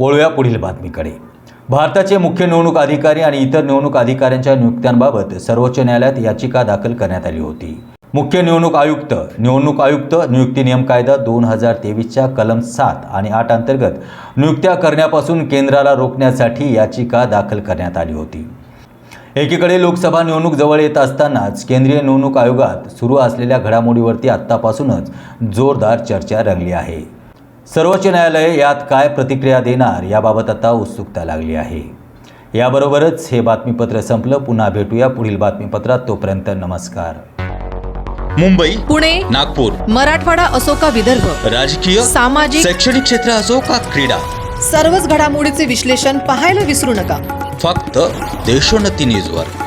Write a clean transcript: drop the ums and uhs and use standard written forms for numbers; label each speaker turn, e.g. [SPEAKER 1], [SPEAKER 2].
[SPEAKER 1] वळूया पुढील बातमीकडे। भारताचे मुख्य निवडणूक अधिकारी आणि इतर निवडणूक अधिकाऱ्यांच्या नियुक्त्यांबाबत सर्वोच्च न्यायालयात याचिका दाखल करण्यात आली होती। मुख्य निवडणूक आयुक्त नियुक्ती नियम कायदा 2023च्या कलम 7 आणि 8 अंतर्गत नियुक्त्या करण्यापासून केंद्राला रोखण्यासाठी याचिका दाखल करण्यात आली होती। एकीकडे लोकसभा निवडणूक जवळ येत असतानाच केंद्रीय निवडणूक आयोगात सुरू असलेल्या घडामोडीवरती आत्तापासूनच जोरदार चर्चा रंगली आहे। सर्वोच्च न्यायालय यात काय प्रतिक्रिया देणार याबाबत आता उत्सुकता लागली आहे। याबरोबरच हे बातमीपत्र संपलं। पुन्हा भेटूया पुढील बातमीपत्रात। तोपर्यंत नमस्कार।
[SPEAKER 2] मुंबई,
[SPEAKER 3] पुणे,
[SPEAKER 2] नागपूर,
[SPEAKER 3] मराठवाडा असो का विदर्भ,
[SPEAKER 2] राजकीय,
[SPEAKER 3] सामाजिक,
[SPEAKER 2] शैक्षणिक क्षेत्र असो का क्रीडा,
[SPEAKER 3] सर्वच घडामोडीचे विश्लेषण पाहायला विसरू नका।
[SPEAKER 2] फक्त देशोन्नती न्यूजवर।